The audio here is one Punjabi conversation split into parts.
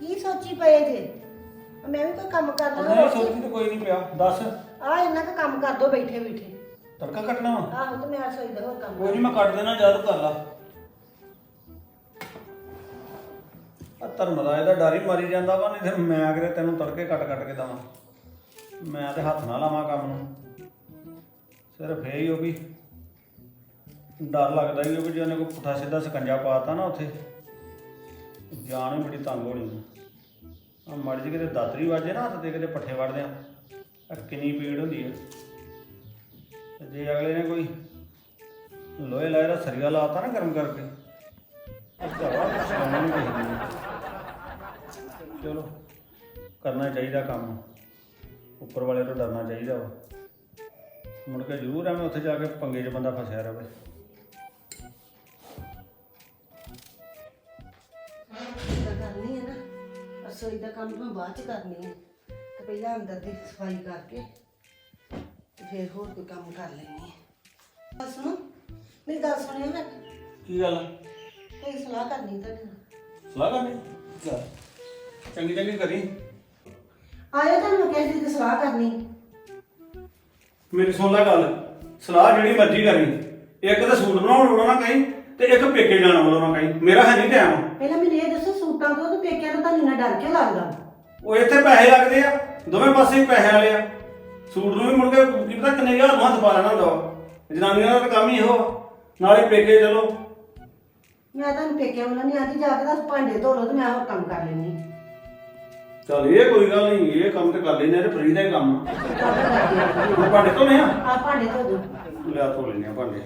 ਕੀ ਸੋਚੀ ਪਏ ਜੇ ਮੈਂ ਵੀ ਕੋਈ ਕੰਮ ਕਰਨਾ ਨਹੀਂ ਸੋਚੀ ਤਾਂ ਕੋਈ ਨਹੀਂ ਪਿਆ ਦੱਸ। ਆ ਇੰਨਾ ਕੁ ਕੰਮ ਕਰ ਦੋ ਬੈਠੇ ਬੈਠੇ। ਤੜਕਾ ਕੱਟਣਾ ਵਾ? ਆਹੋ ਤੇ ਮੈਂ ਰਸੋਈ ਦਾ ਹੋਰ ਕੰਮ ਕੋਈ ਨਹੀਂ ਮੈਂ ਕੱਟ ਦੇਣਾ ਜਦ ਕਰ ਲਾ। ਆ ਧਰਮ ਦਾ ਇਹਦਾ ਡਰ ਹੀ ਮਾਰੀ ਜਾਂਦਾ ਵਾ, ਨਹੀਂ ਤੇ ਮੈਂ ਕਿਤੇ ਤੈਨੂੰ ਤੜਕੇ ਕੱਟ ਕੇ ਦਵਾਂ। ਮੈਂ ਤੇ ਹੱਥ ਨਾਲ ਲਾਵਾਂ ਕੰਮ ਨੂੰ। ਸਿਰਫ ਇਹ ਹੀ ਹੋ ਵੀ ਡਰ ਲੱਗਦਾ ਹੀ ਵੀ ਜੇ ਉਹਨੇ ਕੋਈ ਪੁੱਠਾ ਸਿੱਧਾ ਸਕੰਜਾ ਪਾਤਾ ਨਾ ਉੱਥੇ ਜਾਨ ਵੀ ਬੜੀ ਤੰਗ ਹੋਣੀ ਆ। ਮਾੜੀ ਜਿਹੀ ਕਿਤੇ ਦਾਤਰੀ ਵੱਜੇ ਨਾ ਹੱਥ ਤੇ ਕਿਤੇ ਪੱਠੇ ਵੱਢਦੇ ਆ ਕਿੰਨੀ ਪੀੜ ਹੁੰਦੀ ਹੈ। ਤੇ ਜੇ ਅਗਲੇ ਨੇ ਕੋਈ ਲੋਹੇ ਲਾਏ ਦਾ ਸਰੀਆ ਲਾਤਾ ਨਾ ਗਰਮ ਕਰਕੇ ਚਲੋ ਕਰਨਾ ਚਾਹੀਦਾ ਕੰਮ, ਉੱਪਰ ਵਾਲੇ ਤੋਂ ਡਰਨਾ ਚਾਹੀਦਾ ਵਾ। ਮੁੜ ਕੇ ਜ਼ਰੂਰ ਐਵੇਂ ਉੱਥੇ ਜਾ ਕੇ ਪੰਗੇ 'ਚ ਬੰਦਾ ਫਸਿਆ ਰਹੇ। ਕਰਨੀ ਹੈ ਨਾ ਰਸੋਈ ਦਾ ਕੰਮ ਮੈਂ ਬਾਅਦ ਚ ਕਰਨੀ ਹੈ ਤੇ ਪਹਿਲਾਂ ਅੰਦਰ ਦੀ ਸਫਾਈ ਕਰਕੇ ਤੇ ਫਿਰ ਹੋਰ ਕੋਈ ਕੰਮ ਕਰ ਲੈਣੀ ਹੈ। ਬਸ ਸੁਣੋ ਮੇਰੀ ਗੱਲ ਸੁਣਿਓ ਮੈਂ ਕੀ ਗੱਲ? ਕੋਈ ਸਲਾਹ ਕਰਨੀ ਤੁਹਾਡੇ ਨਾਲ। ਸਲਾਹ ਕਰਨੀ? ਚੱਲ ਚੰਗੀ ਚੰਗੀ ਕਰੀ। ਆਇਓ ਤੁਹਾਨੂੰ ਮੈਂ ਕਹਿੰਦੀ ਤੇ ਸਲਾਹ ਕਰਨੀ। ਮੇਰੀ ਸੁਣ ਲੈ ਗੱਲ, ਸਲਾਹ ਜਿਹੜੀ ਮਰਜ਼ੀ ਕਰੀ। ਇੱਕ ਤਾਂ ਸੂਟ ਬਣਾਉਣ ਵਾਲਾ ਨਾ ਕਹੀਂ ਤੇ ਇੱਕ ਪੇਕੇ ਜਾਣ ਵਾਲਾ ਨਾ ਕਹੀਂ। ਮੇਰਾ ਹੈ ਨਹੀਂ ਟਾਈਮ। ਪਹਿਲਾਂ ਮੈਨੂੰ ਇਹ ਦੱਸੋ ਸੂਟਾਂ ਤੋਂ ਤੇ ਪੇਕਿਆਂ ਤੋਂ ਤੁਹਾਨੂੰ ਇੰਨਾ ਡਰ ਕਿਉਂ ਲੱਗਦਾ? ਉਹ ਇੱਥੇ ਪੈਸੇ ਲੱਗਦੇ ਆ, ਦੋਵੇਂ ਪਾਸੇ ਹੀ ਪੈਸੇ ਵਾਲੇ ਆ। ਸੂਟ ਨੂੰ ਵੀ ਮੁੜ ਕੇ ਕੀ ਪਤਾ ਕਿੰਨੇ ਹਜ਼ਾਰ ਨੂੰ ਹੱਥ ਪਾ ਲੈਣਾ ਹੁੰਦਾ ਵਾ। ਜਨਾਨੀਆਂ ਦਾ ਤਾਂ ਕੰਮ ਹੀ ਇਹੋ ਆ। ਨਾਲੇ ਪੇਕੇ ਚਲੋ। ਮੈਂ ਤੁਹਾਨੂੰ ਪੇਕਿਆਂ ਵੱਲੋਂ ਨਹੀਂ ਆਦੀ, ਜਾ ਕੇ ਤਾਂ ਭਾਂਡੇ ਧੋ ਲਓ ਤੇ ਮੈਂ ਹੋਰ ਕੰਮ ਕਰ ਲੈਣੀ। ਚੱਲ ਇਹ ਕੋਈ ਗੱਲ ਨਹੀਂ, ਇਹ ਕੰਮ ਤੇ ਕਰ ਲੈਨੇ ਆ ਤੇ ਫਰੀ ਦਾ ਹੀ ਕੰਮ ਆ। ਹੁਣ ਭਾਂਡੇ ਧੋਣੇ ਆ? ਆ ਭਾਂਡੇ ਧੋ ਦੋ। ਲਿਆ ਧੋ ਲੈਨੇ ਆ ਭਾਂਡੇ।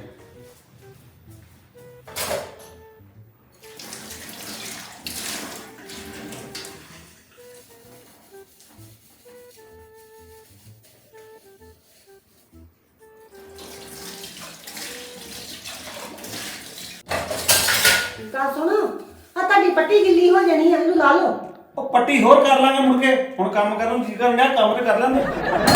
ਗੱਲ ਸੁਣੋ ਆ ਤੁਹਾਡੀ ਪੱਟੀ ਗਿੱਲੀ ਹੋ ਜਾਣੀ ਹੈ, ਇਹਨੂੰ ਲਾ ਲਓ। ਉਹ ਪੱਟੀ ਹੋਰ ਕਰ ਲਾਂਗੇ ਮੁੜ ਕੇ। ਹੁਣ ਕੰਮ ਕਰਨ ਨੂੰ ਜੀ ਕਰਨ ਡਿਆ, ਕੰਮ ਤੇ ਕਰ ਲੈਂਦੇ।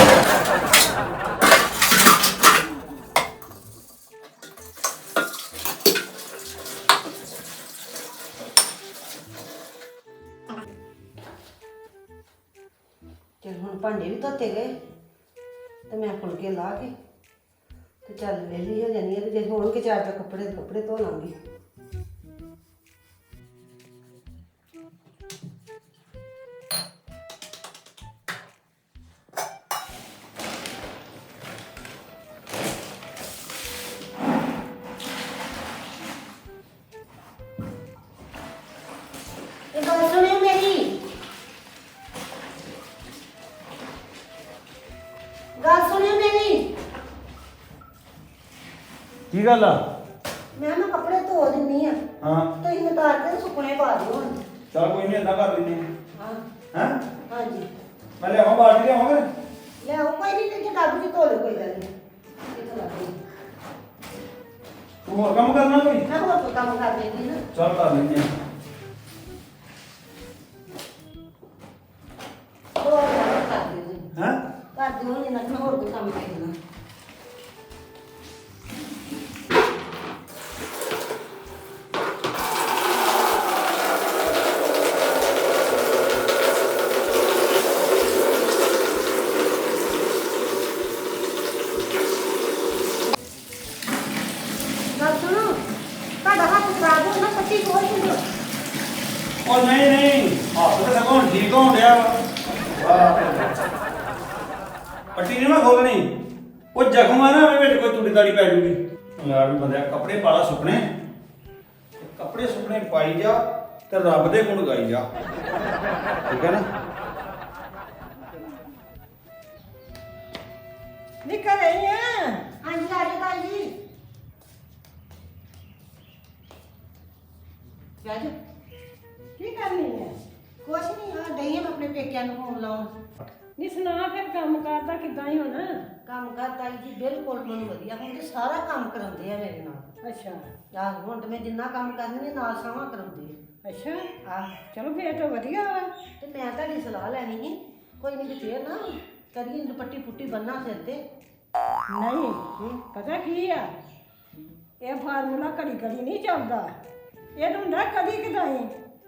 ਚਲ ਹੁਣ ਭਾਂਡੇ ਵੀ ਧੋਤੇ ਗਏ ਤੇ ਮੈਂ ਫੁਲਕੇ ਲਾ ਕੇ ਤੇ ਚੱਲ ਵਿਹਲੀ ਹੋ ਜਾਣੀ ਹੈ ਤੇ ਜੇ ਹੋਣਗੇ ਚਾਰ ਤਾਂ ਕੱਪੜੇ ਧੋ ਲਾਂਗੀ। ਇਹ ਗੱਲ ਸੁਣਿਓ ਮੇਰੀ, ਗੱਲ ਸੁਣਿਓ ਮੇਰੀ। ਕੀ ਗੱਲ ਆ? ਮੈਂ ਨਾ ਕੱਪੜੇ ਧੋ ਦਿੰਨੀ ਆ, ਹਾਂ ਤੁਸੀਂ ਉਤਾਰ ਕੇ ਸੁੱਕਣੇ ਪਾ ਦਿਓ ਹੁਣ। ਚਲ ਕੋਈ ਨਹੀਂ, ਏਦਾਂ ਕਰ ਲੈਨੇ ਹਾਂ ਆ। ਹੈਂ? ਹਾਂਜੀ ਮੈਂ ਲਿਆਵਾਂ ਬਾਲਟੀ ਲਿਆਵਾਂ ਫਿਰ? ਲਿਆਓ, ਕੋਈ ਨਹੀਂ ਤੇ ਡੱਬ ਚ ਧੋ ਲਓ, ਕੋਈ ਗੱਲ ਨਹੀਂ। ਕਿੱਥੋਂ ਲੱਗ ਗਈ? ਤੂੰ ਹੋਰ ਕੰਮ ਕਰਨਾ ਕੋਈ? ਮੈਂ ਹੋਰ ਕੋਈ ਕੰਮ ਕਰ ਲੈਂਦੀ ਨਾ। ਚੱਲ ਕਰ ਲੈਨੇ ਆ। ਹੋਰ ਕੰਮ ਕਰ ਦਿਓ ਜੀ। ਹੈਂ? ਕਰ ਦਿਓ ਨਹੀਂ ਨਾ, ਮੈਂ ਹੋਰ ਕੋਈ ਕੰਮ ਕਰਨਾ। ਗੱਲ ਸੁਣੋ, ਤੁਹਾਡਾ ਹੱਥ ਖਰਾਬ ਹੋ ਨਾ, ਪੱਟੀ ਖੋਲ ਦਿਓ। ਉਹ ਨਹੀਂ ਨਹੀਂ, ਹੱਥ ਤੇ ਸਗੋਂ ਠੀਕ ਹੋਣ ਡਿਆ ਵਾ। ਪੱਟੀ ਨਹੀਂ ਮੈਂ ਖੋਲਣੀ। ਉਹ ਜ਼ਖਮ ਆ ਨਾ, ਉਹਦੇ ਵਿੱਚ ਕੋਈ ਤੂੜੀ ਤਾੜੀ ਪੈ ਜੂਗੀ। ਯਾਰ ਬੰਦਿਆ ਕੱਪੜੇ ਪਾਲਾ ਸੁੱਕਣੇ, ਕੱਪੜੇ ਸੁੱਕਣੇ ਪਾਈ ਜਾ ਤੇ ਰੱਬ ਦੇ ਗੁਣ ਗਾਈ ਜਾ। ਠੀਕ ਹੈ ਨਾ? ਨਿਕਲ ਰਹੀ ਆ। ਹਾਂਜੀ ਆ ਜਾਓ ਤਾਈ ਜੀ। ਬਹਿ ਜਾਓ। ਕੀ ਕਰਨੀ ਹੈ? ਕੁਛ ਨਹੀਂ ਆ, ਡਈ ਆ ਮੈਂ ਆਪਣੇ ਪੇਕਿਆਂ ਨੂੰ ਫੋਨ ਲਾਉਣ। ਨੀ ਸੁਣਾ ਫਿਰ ਕੰਮ ਕਰਦਾ ਕਿੱਦਾਂ ਹੀ ਹੋਣਾ? ਕੰਮ ਕਰ ਤਾਈ ਜੀ ਬਿਲਕੁਲ ਮੈਨੂੰ ਵਧੀਆ, ਹੁਣ ਤੇ ਸਾਰਾ ਕੰਮ ਕਰਾਉਂਦੇ ਆ ਮੇਰੇ ਨਾਲ। ਅੱਛਾ ਆਹ ਹੁਣ ਤੇ ਮੈਂ ਜਿੰਨਾ ਕੰਮ ਕਰਨੀ ਨਾਲ ਸਾਵਾਂ ਕਰਾਉਂਦੇ ਅੱਛਾ, ਆ। ਆਹ ਚਲੋ ਫੇਰ ਤਾਂ ਵਧੀਆ ਵਾ। ਤੇ ਮੈਂ ਤੁਹਾਡੀ ਸਲਾਹ ਲੈਣੀ ਸੀ, ਕੋਈ ਨਹੀਂ ਤੇ ਫੇਰ ਨਾ ਕਰੀਏ ਦੁਪੱਟੀ ਪੁੱਟੀ ਬੰਨਾ ਸਿਰ ਤੇ। ਨਹੀਂ ਪਤਾ ਕੀ ਆ, ਇਹ ਫਾਰਮੂਲਾ ਘੜੀ ਘੜੀ ਨਹੀਂ ਚੱਲਦਾ। ਇਹ ਹੁੰਦਾ ਕਦੀ ਕਦਾਈ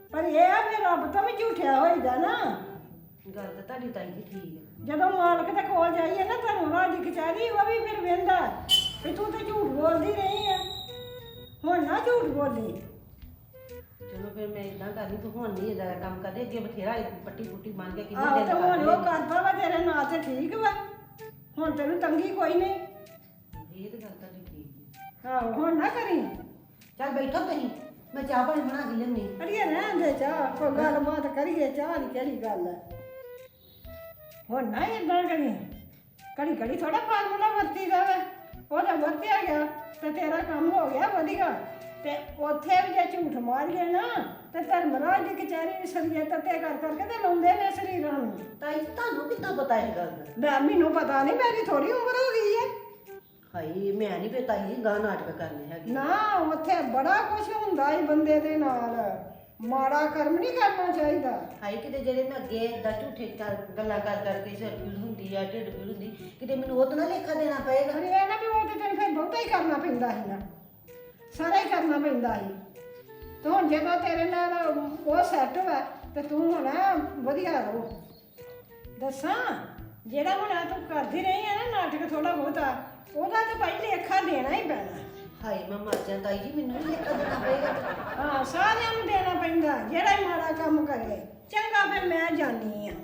ਪਰ ਇਹ ਆ ਫਿਰ ਰੱਬ ਤੋਂ ਵੀ ਝੂਠਿਆ ਹੋਈਦਾ ਨਾ। ਗੱਲ ਤਾਂ ਤੁਹਾਡੀ ਤਾਈ ਜੀ ਠੀਕ ਹੈ। ਜਦੋਂ ਮਾਲਕ ਦੇ ਕੋਲ ਜਾਈਏ ਨਾ ਧਰਮਰਾਜ ਦੀ ਕਚਹਿਰੀ, ਉਹ ਵੀ ਫਿਰ ਵੇਂਦਾ ਵੀ ਤੂੰ ਤੇ ਝੂਠ ਬੋਲਦੀ ਰਹੀ ਆ, ਹੁਣ ਨਾ ਝੂਠ ਬੋਲੀ। ਚਲੋ ਫਿਰ ਮੈਂ ਇਦਾਂ ਕਰਨੀ, ਤੂੰ ਹੁਣ ਨਹੀਂ ਇਹਦਾ ਕੰਮ ਕਰਦੇ, ਅੱਗੇ ਬਥੇਰਾ ਪੱਟੀ ਪੁੱਟੀ ਮੰਨ ਕੇ ਕਿੰਨੇ ਆਹੋ ਦਿਨ ਤੇ ਹੁਣ ਕਰਦੇ ਉਹ ਕਰਦਾ ਵਾ ਤੇਰੇ ਨਾਲ ਤੇ ਠੀਕ ਵਾ, ਹੁਣ ਤੈਨੂੰ ਤੰਗੀ ਕੋਈ ਨਹੀਂ। ਇਹ ਤਾਂ ਗੱਲ ਤੁਹਾਡੀ ਠੀਕ ਹੈ। ਆਹੋ ਹੁਣ ਨਾ ਕਰੀ। ਚੱਲ ਬੈਠੋ ਤੁਸੀਂ, ਮੈਂ ਚਾਹ ਪਾਣੀ ਬਣਾ ਕੇ ਲਿਆਉਂਦੀ। ਅੜੀਏ ਰਹਿਣ ਦੇ, ਚਾਹ ਕੋਈ ਗੱਲਬਾਤ ਕਰੀਏ, ਚਾਹ ਦੀ ਕਿਹੜੀ ਗੱਲ ਹੈ। ਹੁਣ ਨਾ ਏਦਾਂ ਕਰੀ, ਘੜੀ ਘੜੀ ਥੋੜਾ ਫਾਰਮੂਲਾ ਵਰਤੀਦਾ ਵਾ, ਉਹਦਾ ਵਰਤਿਆ ਗਿਆ ਤੇ ਤੇਰਾ ਕੰਮ ਹੋ ਗਿਆ ਵਧੀਆ। ਤੇ ਉੱਥੇ ਵੀ ਜੇ ਝੂਠ ਮਾਰੀਏ ਨਾ ਤੇ ਧਰਮਰਾਜ ਦੀ ਕਚਹਿਰੀ ਸਰੀਏ ਤੱਤੇ ਕਰ ਕਰਕੇ ਤੇ ਲਾਉਂਦੇ ਨੇ ਸਰੀਰਾਂ ਨੂੰ। ਤਾਈ ਜੀ, ਤੁਹਾਨੂੰ ਕਿੱਦਾਂ ਪਤਾ ਇਹ ਗੱਲ ਦਾ? ਮੈਨੂੰ ਪਤਾ ਨਹੀਂ, ਮੇਰੀ ਥੋੜੀ ਉਮਰ ਹੋ ਗਈ ਹੈ। ਹਾਈ ਮੈਂ ਨਹੀਂ ਫਿਰ ਤਾਈ ਜੀ ਗਾਂ ਨਾਟਕ ਕਰਨੇ ਹੈਗੇ। ਨਾ ਉੱਥੇ ਬੜਾ ਕੁਝ ਹੁੰਦਾ ਹੀ ਬੰਦੇ ਦੇ ਨਾਲ, ਮਾੜਾ ਕਰਮ ਨਹੀਂ ਕਰਨਾ ਚਾਹੀਦਾ। ਹਾਈ ਕਿਤੇ ਜਿਹੜੇ ਮੈਂ ਅੱਗੇ ਏਦਾਂ ਝੂਠੇ ਗੱਲਾਂ ਕਰ ਕਰਕੇ ਸਿਰ ਪੀੜ ਹੁੰਦੀ ਆ, ਢਿੱਡ ਪੀੜ ਹੁੰਦੀ, ਕਿਤੇ ਮੈਨੂੰ ਉਹ ਤਾਂ ਨਾ ਲੇਖਾ ਦੇਣਾ ਪਏਗਾ। ਅਰੇ ਇਹ ਨਾ ਵੀ ਉਹ ਤੇ ਤੈਨੂੰ ਫਿਰ ਬਹੁਤਾ ਹੀ ਕਰਨਾ ਪੈਂਦਾ ਸੀ ਨਾ, ਸਾਰਾ ਹੀ ਕਰਨਾ ਪੈਂਦਾ ਸੀ। ਤੇ ਹੁਣ ਜਦੋਂ ਤੇਰੇ ਨਾਲ ਉਹ ਸੈੱਟ ਵਾ ਤੇ ਤੂੰ ਹੁਣ ਵਧੀਆ ਰਹੋ। ਦੱਸਾਂ, ਜਿਹੜਾ ਹੁਣ ਆਹ ਤੂੰ ਕਰਦੀ ਰਹੀ ਆ ਨਾ ਨਾਟਕ ਥੋੜਾ ਬਹੁਤਾ, ਉਹਦਾ ਤੇ ਭਾਈ ਲੇਖਾ ਦੇਣਾ ਹੀ ਪੈਣਾ। ਹਾਏ ਮੈਂ ਮਰ ਜਾਂ ਤਾਈ ਜੀ, ਮੈਨੂੰ ਵੀ ਲੇਖਾ ਦੇਣਾ ਪਏਗਾ। ਹਾਂ, ਸਾਰਿਆਂ ਨੂੰ ਦੇਣਾ ਪੈਂਦਾ, ਜਿਹੜਾ ਹੀ ਮਾੜਾ ਕੰਮ ਕਰੇ। ਚੰਗਾ ਫਿਰ ਮੈਂ ਜਾਣੀ ਆ।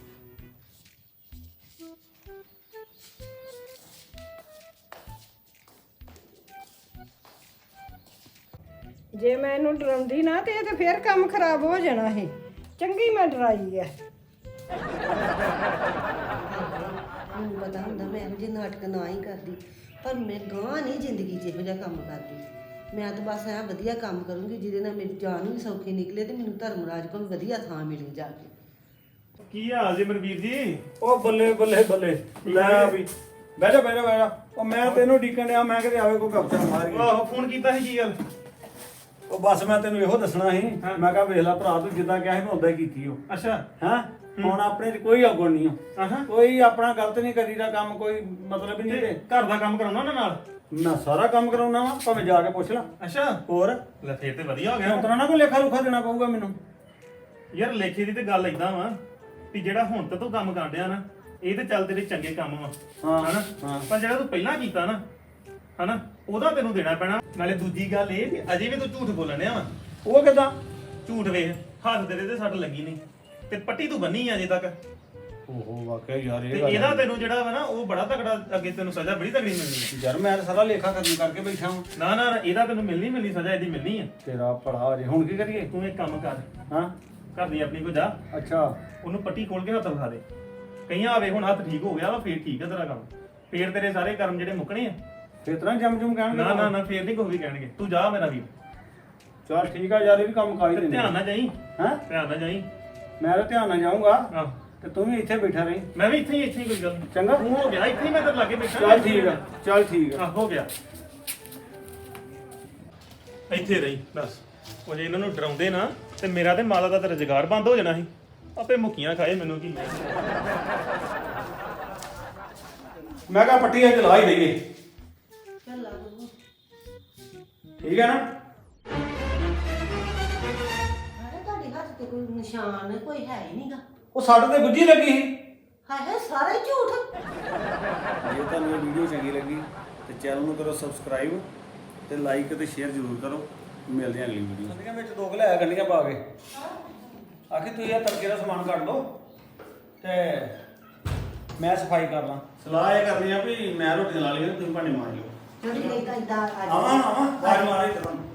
ਜੇ ਮੈਂ ਇਹਨੂੰ ਡਰਾਉਂਦੀ ਨਾ ਤੇ ਇਹ ਤੇ ਫੇਰ ਕੰਮ ਖਰਾਬ ਹੋ ਜਾਣਾ ਸੀ। ਚੰਗੀ ਮੈਂ ਡਰਾਈ ਆ। ਮੈਨੂੰ ਪਤਾ ਹੁੰਦਾ ਮੈਂ ਇਹੋ ਜਿਹੇ ਨਾਟਕ ਨਾ ਹੀ ਕਰਦੀ, ਪਰ ਮੈਂ ਗਾਂ ਨਹੀਂ ਜ਼ਿੰਦਗੀ 'ਚ ਇਹੋ ਜਿਹਾ ਕੰਮ ਕਰਦੀ। ਮੈਂ ਤਾਂ ਬਸ ਐਂ ਵਧੀਆ ਕੰਮ ਕਰੂੰਗੀ ਜਿਹਦੇ ਨਾਲ ਮੇਰੀ ਜਾਨ ਵੀ ਸੌਖੀ ਨਿਕਲੇ ਤੇ ਮੈਨੂੰ ਧਰਮਰਾਜ ਕੋਲ ਵਧੀਆ ਥਾਂ ਮਿਲੇ ਜਾ ਕੇ। ਕੀ ਹਾਲ ਜੀ ਮਨਵੀਰ ਜੀ? ਉਹ ਬੱਲੇ ਬੱਲੇ ਬੱਲੇ, ਲੈ ਵੀ ਬਹਿ ਜਾ ਬਹਿ ਜਾ ਬਹਿ ਜਾ। ਉਹ ਮੈਂ ਤੈਨੂੰ ਡੀਕਣ ਡਿਆ, ਮੈਂ ਕਿਤੇ ਆਵੇ ਕੋਈ ਗੱਪਸ਼ਪ ਮਾਰ ਗਿਆ। ਆਹੋ ਫੋਨ ਕੀਤਾ ਸੀ, ਕੀ ਗੱਲ? ਉਹ ਬਸ ਮੈਂ ਤੈਨੂੰ ਇਹੋ ਦੱਸਣਾ ਸੀ, ਮੈਂ ਕਿਹਾ ਵੇਖ ਲੈ ਭਰਾ, ਤੂੰ ਜਿੱਦਾਂ ਕਿਹਾ ਸੀ ਮੈਂ ਉਦਾਂ ਹੀ ਕੀਤੀ ਉਹ। ਅੱਛਾ। ਹਾਂ, ਹੁਣ ਆਪਣੇ 'ਚ ਕੋਈ ਔਗਣ ਨਹੀਂ ਆਹਾਂ। ਕੋਈ ਆਪਣਾ ਗਲਤ ਨਹੀਂ ਕਰੀਦਾ ਕੰਮ, ਕੋਈ ਮਤਲਬ ਹੀ ਨਹੀਂ ਤੇ ਘਰ ਦਾ ਕੰਮ ਕਰਾਉਣਾ ਉਹਨਾਂ ਨਾਲ? ਮੈਂ ਸਾਰਾ ਕੰਮ ਕਰਾਉਣਾ ਵਾ, ਭਾਵੇਂ ਜਾ ਕੇ ਪੁੱਛ ਲੈ। ਅੱਛਾ। ਹੋਰ ਲੈ ਫੇਰ ਤੇ ਵਧੀਆ ਹੋ ਗਿਆ। ਉਤਰਾ ਨਾ ਕੋਈ ਲੇਖਾ ਲੁਖਾ ਦੇਣਾ ਪਊਗਾ ਮੈਨੂੰ। ਯਾਰ ਲੇਖੇ ਦੀ ਤੇ ਗੱਲ ਏਦਾਂ ਵਾ ਵੀ ਜਿਹੜਾ ਹੁਣ ਤੇ ਤੂੰ ਕੰਮ ਕਰਦਿਆ ਨਾ, ਇਹ ਤੇ ਚੱਲ ਤੇਰੇ ਚੰਗੇ ਕੰਮ ਵਾ, ਹਾਂ, ਹਨਾ? ਹਾਂ। ਪਰ ਜਿਹੜਾ ਤੂੰ ਪਹਿਲਾਂ ਕੀਤਾ ਨਾ, ਹਨਾ, ਉਹਦਾ ਤੈਨੂੰ ਦੇਣਾ ਪੈਣਾ। ਨਾਲੇ ਦੂਜੀ ਗੱਲ ਇਹ ਵੀ ਅਜੇ ਵੀ ਤੂੰ ਝੂਠ ਬੋਲਣ ਡਿਆ ਵਾ। ਉਹ ਕਿਦਾਂ? ਝੂਠ ਵੇਖ, ਹੱਥ ਤੇਰੇ ਤੇ ਸੱਟ ਲੱਗੀ ਨਹੀਂ ਤੇ ਪੱਟੀ ਤੂੰ ਬੰਨੀ ਆ ਅਜੇ ਤੱਕ। ਓਹੋ ਵਾਕਿਆ ਯਾਰ ਤੇ ਇਹ ਗੱਲ ਇਹਦਾ ਤੈਨੂੰ ਜਿਹੜਾ ਵਾ ਨਾ ਉਹ ਬੜਾ ਤਕੜਾ, ਅੱਗੇ ਤੈਨੂੰ ਸਜ਼ਾ ਬੜੀ ਤਕੜੀ ਮਿਲਣੀ ਹੈ। ਯਾਰ ਮੈਂ ਤਾਂ ਸਾਰਾ ਲੇਖਾ ਖਤਮ ਕਰਕੇ ਬੈਠਾ ਹਾਂ। ਨਾ ਨਾ ਇਹਦਾ ਤੈਨੂੰ ਮਿਲਣੀ ਸਜ਼ਾ, ਇਹਦੀ ਮਿਲਣੀ ਆ। ਤੇਰਾ ਭਲਾ ਜੇ ਹੁਣ ਕੀ ਕਰੀਏ? ਤੂੰ ਇੱਕ ਕੰਮ ਕਰ, ਹਾਂ, ਘਰ ਦੀ ਆਪਣੀ ਕੋ ਜਾ, ਅੱਛਾ। ਉਹਨੂੰ ਪੱਟੀ ਖੋਲ ਕੇ ਹੱਥ ਵਿਖਾ ਦੇ। ਕਈਆਂ ਆਵੇ ਹੁਣ ਹੱਥ ਠੀਕ ਹੋ ਗਿਆ ਵਾ, ਫੇਰ ਠੀਕ ਆ ਤੇਰਾ ਕੰਮ, ਫੇਰ ਤੇਰੇ ਸਾਰੇ ਕਰਮ ਜਿਹੜੇ ਮੁੱਕਣੇ ਆ। ਫੇਰ ਤਰ੍ਹਾਂ ਜਮ ਜਮ ਕਹਿਣਗੇ। ਨਾ ਨਾ ਨਾ ਫੇਰ ਨਹੀਂ ਕੋਈ ਵੀ ਕਹਿਣਗੇ। ਤੂੰ ਜਾ ਮੇਰਾ ਵੀਰ, ਚਲ ਠੀਕ ਆ ਯਾਰ, ਇਹ ਵੀ ਕੰਮ ਖਾਈ ਤੇ ਦਿੰਦੇ। ਧਿਆਨ ਨਾਲ ਜਾਈ, ਹੈਂ? ਧਿਆਨ ਨਾਲ ਜਾਈ। ਮੈਂ ਤਾਂ ਧਿਆਨ ਨਾਲ ਜਾਊਂਗਾ ਆਹ ਤੇ ਤੂੰ ਵੀ ਇੱਥੇ ਬੈਠਾ ਰਹੀਂ। ਮੈਂ ਵੀ ਇੱਥੇ ਹੀ ਕੋਈ ਗੱਲ ਨੀ। ਚੰਗਾ। ਤੂੰ ਹੋ ਗਿਆ ਇੱਥੇ ਹੀ, ਮੈਂ ਤੇਰੇ ਲਾਗੇ ਬੈਠਾ। ਚੱਲ ਠੀਕ ਆ, ਚੱਲ ਠੀਕ ਆ। ਆਹ ਹੋ ਗਿਆ, ਇੱਥੇ ਰਹੀ ਬਸ। ਉਹ ਜੇ ਇਹਨਾਂ ਨੂੰ ਡਰਾਉਂਦੇ ਨਾ ਤੇ ਮੇਰਾ ਤੇ ਮਾਤਾ ਦਾ ਤੇ ਰੁਜ਼ਗਾਰ ਬੰਦ ਹੋ ਜਾਣਾ ਸੀ। ਆਪੇ ਮੁੱਕੀਆਂ ਖਾਏ, ਮੈਨੂੰ ਕੀ। ਮੈਂ ਕਿਹਾ ਪੱਟੀ ਅੱਜ ਲਾ ਹੀ ਦਈਏ, ਚੱਲ ਲਾ ਦੂੰਗਾ। ਠੀਕ ਹੈ ਨਾ? ਹਾਏ ਤੁਹਾਡੇ ਹੱਥ ਤੇ ਕੋਈ ਨਿਸ਼ਾਨ ਕੋਈ ਹੈ ਹੀ ਨਹੀਂਗਾ। ਉਹ ਸਾਡੇ ਤੇ ਗੁੱਜੀ ਲੱਗੀ ਸੀ। ਹਾਏ ਹਾਏ ਸਾਰਾ ਹੀ ਝੂਠ। ਜੇ ਤੁਹਾਨੂੰ ਇਹ ਵੀਡੀਓ ਚੰਗੀ ਲੱਗੀ ਤੇ ਚੈਨਲ ਨੂੰ ਕਰੋ ਸਬਸਕ੍ਰਾਈਬ ਤੇ ਲਾਈਕ ਤੇ ਸ਼ੇਅਰ ਜ਼ਰੂਰ ਕਰੋ। ਮਿਲਦੇ ਹਾਂ ਅਗਲੀ ਵੀਡੀਓ। ਗੰਡੀਆਂ ਵਿੱਚ ਦੋ ਲਿਆਇਆ, ਗੰਡੀਆਂ ਪਾ ਕੇ ਆਖੇ ਤੁਸੀਂ ਇਹ ਤੜਕੇ ਦਾ ਸਮਾਨ ਕੱਢ ਲਓ ਤੇ ਮੈਂ ਸਫਾਈ ਕਰ ਲਾਂ। ਸਲਾਹ ਇਹ ਕਰਨੀ ਆ ਵੀ ਮੈਂ ਰੋਟੀ ਲਾ ਲਈ, ਤੁਸੀਂ ਭਾਂਡੇ ਮਾਰ ਲਿਓ। ਜਿਹੜੀ ਨਹੀਂ ਤਾਂ ਇਦਾਂ ਆਵਾਂ ਆਵਾਂ ਬਾਹਰ ਮਾਰੇ ਤੁਹਾਨੂੰ।